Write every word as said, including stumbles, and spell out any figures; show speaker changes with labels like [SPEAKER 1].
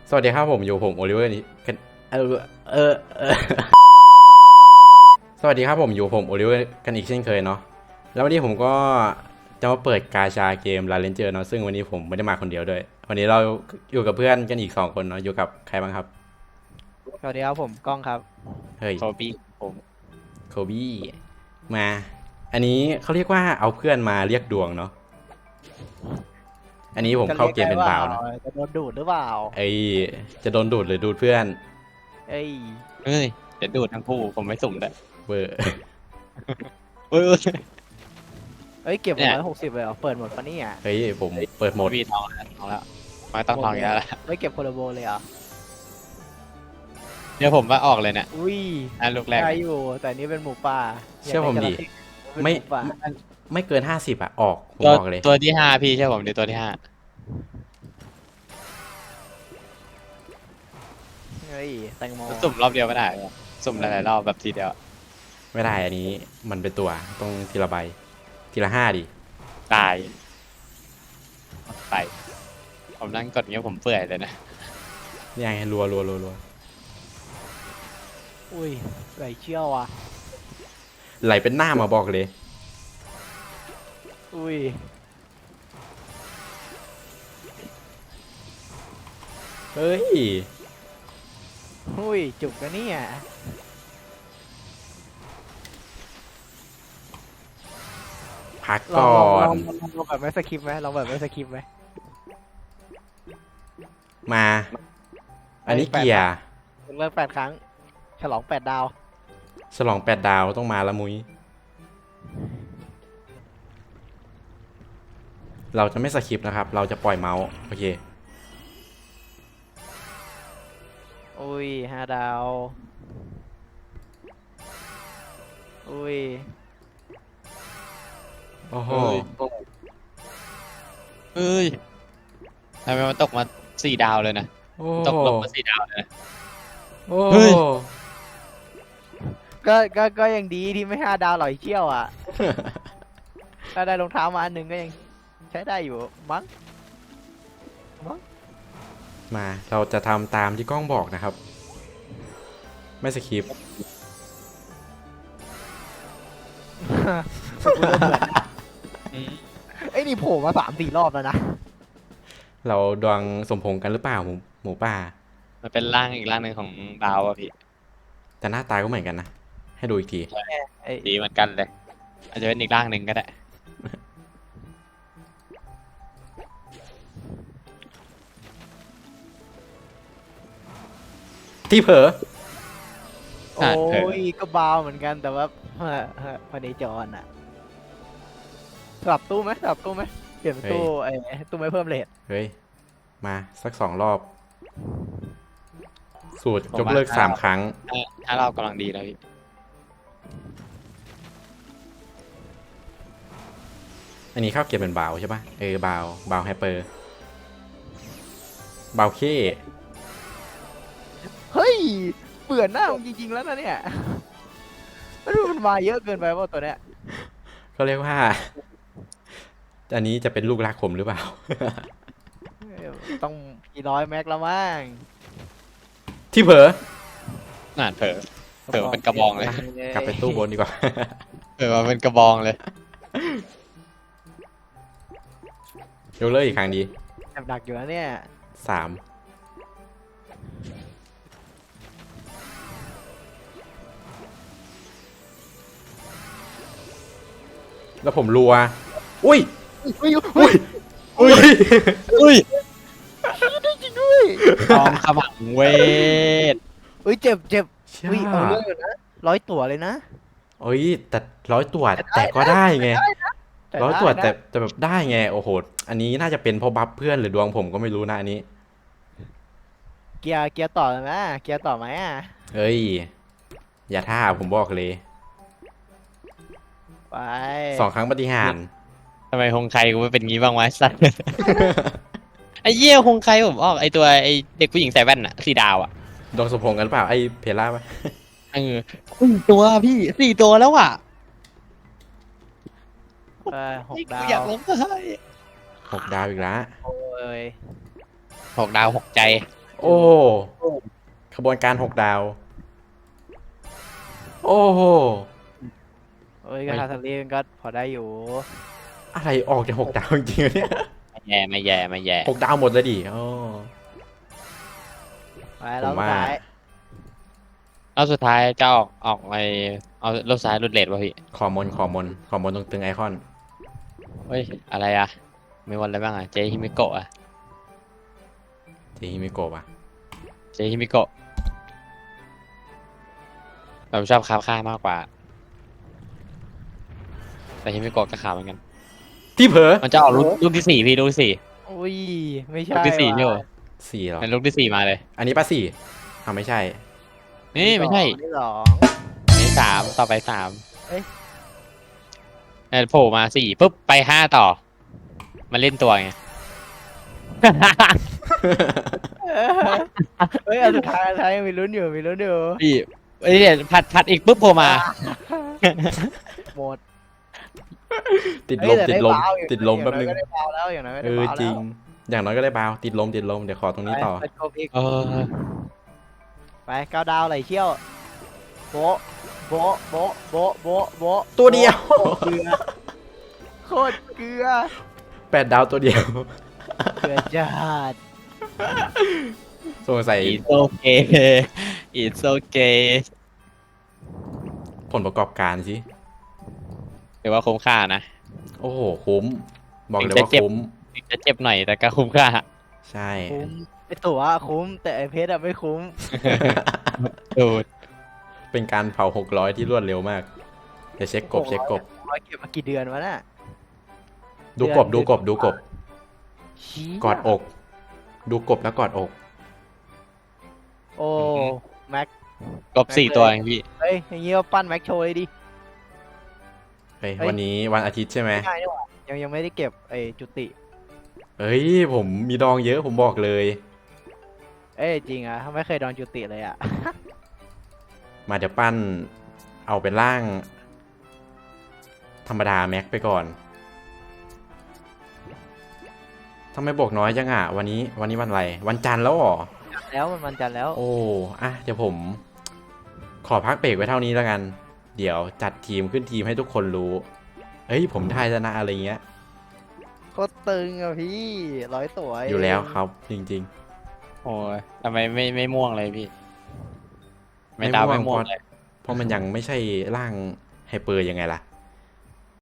[SPEAKER 1] สวัสดีครับผมอยู่ผมโอลิเวอร์นี่กันเออเออเออสวัสดีครับผมอยู่ผมโอลิเวอร์กันอีกเช่นเคยเนาะแล้ววันนี้ผมก็จะมาเปิดกาชาเกมลาเลนเจอร์เนาะซึ่งวันนี้ผมไม่ได้มาคนเดียวด้วยวันนี้เราอยู่กับเพื่อนกันอีกสองคนเนาะอยู่กับใครบ้างครับ
[SPEAKER 2] สวัสดีครับผมก้องครับ
[SPEAKER 1] เฮ้ย
[SPEAKER 3] โทบี้ผม
[SPEAKER 1] โคบี้มา อันนี้เขาเรียกว่าเอาเพื่อนมาเรียกดวงเนาะอันนี้ผมเข้าเกมเป็นบาวนะ
[SPEAKER 2] จะโดนดูดหรือเปล่า
[SPEAKER 1] ไอจะโดนดูดหรือดูดเพื่อน
[SPEAKER 2] เอ้ย
[SPEAKER 3] เฮ้ยเดี๋ยวดูดทั้งคู่ผมไม่สุ่มเลย
[SPEAKER 1] เวอร์
[SPEAKER 3] เฮ้ย
[SPEAKER 2] เอ้ยเก็บห
[SPEAKER 3] เนี่
[SPEAKER 2] ก
[SPEAKER 3] ย
[SPEAKER 2] ร้อยหกสิบเลยเหรอเปิดหมดปะเนี่ย
[SPEAKER 1] เฮ้ยผมเปิดโหมด
[SPEAKER 3] พี่ทองแล้วทองแล้วไม่ต้องทองอีกแล้วล่ะ
[SPEAKER 2] ไม่เก็บโคโลโบเลยเหรอ
[SPEAKER 3] เดี๋ยวผมว่าออกเลยเนี่ย
[SPEAKER 2] อุ้ย
[SPEAKER 3] อันลูกแรก
[SPEAKER 2] ได้อยู่แต่นี่เป็นหมูป่า
[SPEAKER 1] เชื่อผมดิ
[SPEAKER 2] เป็น
[SPEAKER 1] ไม่
[SPEAKER 2] หป่า
[SPEAKER 1] ไม่เกินห้าสิบอะออกผม
[SPEAKER 3] ตัว
[SPEAKER 1] บอกเลย
[SPEAKER 3] ตัวที่ห้าพี่ใช่ผมเดี๋ยวตัวที่ห้า
[SPEAKER 2] เฮ้ยแตงโม
[SPEAKER 3] สุ่มรอบเดียวไม่ได้หรอสุ่มหลายๆรอบแบบทีเดียว
[SPEAKER 1] ไม่ได้อันนี้มันเป็นตัวต้องทีละใบทีละห้าดิ
[SPEAKER 3] ตายไปผมนั่งกดเงี้ยผมเปื่อยเลยนะ
[SPEAKER 1] นี่ไงรัวรัวรัวรัว
[SPEAKER 2] อุ้ยไหลเชี่ยวอ่ะ
[SPEAKER 1] ไหลเป็นหน้ามาบอกเลย
[SPEAKER 2] อุ้ย
[SPEAKER 1] เฮ้ย
[SPEAKER 2] อุ้ยจุกกันเนี่ย
[SPEAKER 1] พัก
[SPEAKER 2] ลอง
[SPEAKER 1] ก่อ
[SPEAKER 2] ลอง
[SPEAKER 1] น
[SPEAKER 2] ลองลองลองแบบไม่สคริปต์ไหมลองแบบไม่สคริปต์ไหม
[SPEAKER 1] มา อันนี้เกียร์
[SPEAKER 2] เลิกแปดครั้งฉลองแปดดาว
[SPEAKER 1] ฉลองแปดดาวต้องมาละมุ้ยเราจะไม่สคริปต์นะครับ เราจะปล่อยเมาส์โอเค
[SPEAKER 2] อุ้ยห้าดาวอุ้ย
[SPEAKER 1] โอ้โห
[SPEAKER 3] เฮ้ยทำไมมันตกมาสี่ดาวเลยนะ
[SPEAKER 1] โอ้
[SPEAKER 3] ตกลงมาสี่ดาวเลยนะ
[SPEAKER 1] โอ้
[SPEAKER 3] เฮ้ย
[SPEAKER 2] ก็ก็ก็ยังดีที่ไม่ห้าดาวหล่อยเชี่ยวอ่ะ ถ้าได้รองเท้ามาอันหนึ่งก็ยังใช้ได้อยู่มั้ง
[SPEAKER 1] มาเราจะทำตามที่กล้องบอกนะครับ ไม่สคริปต์
[SPEAKER 3] อืม
[SPEAKER 2] ไอ้ยนี่โผล่มาสามสี่รอบแล้วนะ
[SPEAKER 1] เราดวงสมพงษ์กันหรือเปล่าหมูหมูป่า
[SPEAKER 3] มันเป็นร่างอีกร่างหนึ่งของดาวอะพี่
[SPEAKER 1] แต่หน้าตาก็เหมือนกันนะ ให้ดูอีกที
[SPEAKER 2] ไอ้
[SPEAKER 3] ดีเหมือนกันเลย อาจจะเป็นอีกร่างหนึ่งก็ได้
[SPEAKER 1] ที่เผลอ
[SPEAKER 2] โอ้ยก็เบาเหมือนกันแต่ว่าพอดีจอนอ่ะสลับตู้ไหมสลับตู้ไหมเปลี่ยนเป็นตู้ไอ้ตู้ไม่เพิ่มเลท
[SPEAKER 1] เฮ้ย มาสักสองรอบ สูตร
[SPEAKER 3] ผม
[SPEAKER 1] ยกเลิก
[SPEAKER 3] ว่า
[SPEAKER 1] สามครั้ง
[SPEAKER 3] ถ้าถ้าเรากำลังดีแล้วพี่
[SPEAKER 1] อันนี้เข้าเก็บเป็นบาวใช่ปะเออบาวบาวไฮเปอร์บาวเค
[SPEAKER 2] เฮ้ยเบื่อหน้ามึงจริงๆแล้วนะเนี่ยแล้วดูมันมาเยอะเกินไปว่าตัวเนี้ย
[SPEAKER 1] ก็เรียกว่า อันนี้จะเป็นลูกรักผมหรือเปล่า
[SPEAKER 2] ต้องกี่ร้อยแม็กแล้วมั้ง
[SPEAKER 1] ที่เผลอ
[SPEAKER 3] น่าเผลอ เผลอเป็นกระบองเลย
[SPEAKER 1] กลับไปตู้บนดีกว่า
[SPEAKER 3] เผลอมาเป็นกระบองเลย
[SPEAKER 1] ยกเลิกอีกครั้งดี
[SPEAKER 2] แอบดักอยู่นะเนี่ย
[SPEAKER 1] สามแล้วผมรัว อุ้ย
[SPEAKER 2] อุ้ย
[SPEAKER 1] อุ้ย อุ้ย
[SPEAKER 3] อุ้ย
[SPEAKER 2] ได้จริงด้วย
[SPEAKER 3] ทองขมังเวท
[SPEAKER 2] อุ้ยเจ็บเจ็บ
[SPEAKER 1] เชี่ย
[SPEAKER 2] อุ้ยเอาเรื่องอยู่นะร้อยตั๋วเลยนะ
[SPEAKER 1] โอ้ยแต่ร้อยตัวแต่ก็ได้ไง
[SPEAKER 2] แต่
[SPEAKER 1] ร้อยตัว
[SPEAKER 2] ได้นะ
[SPEAKER 1] แต่แต่แบบได้ไง โอ้โห อันนี้น่าจะเป็นเพราะบัฟเพื่อนหรือดวงผมก็ไม่รู้นะอันนี้
[SPEAKER 2] เกียร์เกียร์ต่อเลยไหมเกียร์ต่อไหมอ่ะ
[SPEAKER 1] เฮ้ย อย่าท่าผมบอกเลย
[SPEAKER 2] ไป
[SPEAKER 1] สองครั้งปฏิหารย์
[SPEAKER 3] ทำไมคงใครกูไม่เป็นงี้บ้างวะไอ้สัส ไอ้เหี้ยคงใครผมออกไอ้ตัวไอ้เด็กผู้หญิงใส่แว่นอะสี่ดาวอะ
[SPEAKER 1] ดวงสมพงษ์กันหรือเปล่า ไอ้เพล่าปะ
[SPEAKER 3] เออสี่ตัวพี่สี่ตัวแล้วอะ
[SPEAKER 2] ไปหกดา
[SPEAKER 3] กูอยาก
[SPEAKER 2] ว
[SPEAKER 3] ร้องไห้
[SPEAKER 1] หกดาวอีกแล้ว
[SPEAKER 2] โอ้ย
[SPEAKER 3] หกดาวหกใจ
[SPEAKER 1] โอ้ขบวนการหกดาว โอ้โห
[SPEAKER 2] เอ้ยก็ทาทารีมันก็พอได้อยู่
[SPEAKER 1] อะไรออกจากหกดาวจริงๆเนี่ย
[SPEAKER 3] ไม่แย่ไม่แย่ไม่แย่
[SPEAKER 1] หกดาวหมดเลยดิอ๋อ
[SPEAKER 2] ไปแล้ว
[SPEAKER 1] ผมว่า
[SPEAKER 2] สุดท้าย
[SPEAKER 3] แล้วสุดท้ายจะออกออกไปเอารถซ้ายรถเลดป่ะพี่
[SPEAKER 1] ขอมนขอมนขอมนตรงตึงไอคอน
[SPEAKER 3] เฮ้ยอะไรอ่ะมีวันอะไรบ้างอ่ะเจฮิมิโกะอ่ะ
[SPEAKER 1] ทีฮิมิโกะอะ
[SPEAKER 3] เจฮิมิโกะผมชอบคาบค่ามากกว่า แต่ฮิมิโกะก็ขาวเหมือนกัน
[SPEAKER 1] ที่เผลอ
[SPEAKER 3] มันจะออกลูกลูกที่สี่พี่ลูกที่สี่
[SPEAKER 2] อุ้ยไม่ใช่
[SPEAKER 3] ลูกที่สี่นี่เหร
[SPEAKER 2] ว่ะ
[SPEAKER 3] อ
[SPEAKER 1] สี่เหรอ
[SPEAKER 3] เป็นลูกที่สี่มาเลย
[SPEAKER 1] อันนี้ป้าสี่อ่าไม่ใช่
[SPEAKER 3] นี่ไม่ใช่
[SPEAKER 2] ที่สอง
[SPEAKER 3] นี่สามต่อไปสาม
[SPEAKER 2] เอ้ย
[SPEAKER 3] เออโผล่มาสี่ปุ๊บไปห้าต่อ มาเล่นตัวไง
[SPEAKER 2] เฮ้ยอันสุดท้ายอันสุดท้ายยังมีลุ้นอยู่มีลุ้นอยู่
[SPEAKER 3] พี่เอ้ยเนี่ยผัดผัดอีกปุ๊บโผล่มา
[SPEAKER 2] หมด
[SPEAKER 1] ติดล
[SPEAKER 2] เฮ้ย
[SPEAKER 1] ม
[SPEAKER 2] แต่
[SPEAKER 1] ติด
[SPEAKER 2] ไ
[SPEAKER 1] ลม
[SPEAKER 2] บาอยู่
[SPEAKER 1] ติดลมแป๊บนึง
[SPEAKER 2] อย่างน้อยก็ได้เบาแล้วอย่างน้อยก็
[SPEAKER 1] เอ
[SPEAKER 2] ได้
[SPEAKER 1] อ
[SPEAKER 2] เบา
[SPEAKER 1] จริง
[SPEAKER 2] แล้ว
[SPEAKER 1] อย่างน้อยก็ได้บาวติดลมติดลมเดี๋ยวขอตรงนี้ต่อ
[SPEAKER 2] ไปโกพิก
[SPEAKER 3] เออ
[SPEAKER 2] ไปเก้าดาวไหลเชี่ยวโบะโบะโบะโบะโบะโบะ
[SPEAKER 1] ตัวเดียว
[SPEAKER 2] โบะเกลือโคตรเกลือ
[SPEAKER 1] แปดดาวตัวเดียว
[SPEAKER 2] เกลือจัด
[SPEAKER 1] สงสัย
[SPEAKER 3] อีโอเคอีโอเค
[SPEAKER 1] ผลประกอบการสิ
[SPEAKER 3] ถือว่าคุ้มค่านะ
[SPEAKER 1] โอ้โห คุ้ม บอกเลย
[SPEAKER 3] ถึงจะ
[SPEAKER 1] ว่า
[SPEAKER 3] เจ็บ
[SPEAKER 1] คุ้ม
[SPEAKER 3] ถึงจะเจ็บหน่อยแต่ก็คุ้มค่า
[SPEAKER 1] ใช่
[SPEAKER 2] คุ้มไอตั๋วคุ้มแต่ไอเพชรอะไม่คุ้ม
[SPEAKER 3] ดูด
[SPEAKER 1] เป็นการเผาหกร้อยที่รวดเร็วมาก เดี๋ยวเช็คกบเช็คกบ
[SPEAKER 2] ร้อยเก็บมากี่เดือนวะน่ะ
[SPEAKER 1] ดูกบดูกบดูกบ
[SPEAKER 2] เชี่ย
[SPEAKER 1] กอดอก ดูกบแล้วกอดอก
[SPEAKER 2] โอ้แม็ก
[SPEAKER 3] กบสี่ตัวเองพี่
[SPEAKER 2] เฮ้ยอย่างงี้ก็ปั้นแม็กโชว์เลยดิ
[SPEAKER 1] เฮ้ย
[SPEAKER 2] เฮ้ย
[SPEAKER 1] วันนี้วันอาทิตย์ใช่ไหม
[SPEAKER 2] ง่ายนี่หว่ายังยังไม่ได้เก็บไอจุติ
[SPEAKER 1] เฮ้ย ผมมีดองเยอะผมบอกเลย
[SPEAKER 2] เอ้ยจริงอะไม่เคยโดนจุติเลยอะ
[SPEAKER 1] มาเดี๋ยวปั้น เอาเป็นร่าง ธรรมดาแม็กไปก่อนทำไมบอกน้อยจังอ่ะ วันนี้วันนี้วันอะไร วันจันทร์แล้วเหรอ
[SPEAKER 2] แล้วมันมันจันทร์แล้ว
[SPEAKER 1] โอ้ อะเดี๋ยวผม ขอพักเบรกไว้เท่านี้แล้วกัน เดี๋ยวจัดทีมขึ้นทีมให้ทุกคนรู้ เฮ้ย ผมทายชนะอะไรเงี้ย
[SPEAKER 2] โคตรตึงอะพี่ร้อยตัวเง
[SPEAKER 1] อยู่แล้วครับ จริง
[SPEAKER 3] โอ้ยทำไมไม่ไม่ม่วงเลยพี่
[SPEAKER 1] ๆ
[SPEAKER 3] ไม่ดาวไม่ม่วง
[SPEAKER 1] เพราะ
[SPEAKER 3] เลย
[SPEAKER 1] เพราะมันยังไม่ใช่ร่างไฮเปอร์ยังไงล่ะ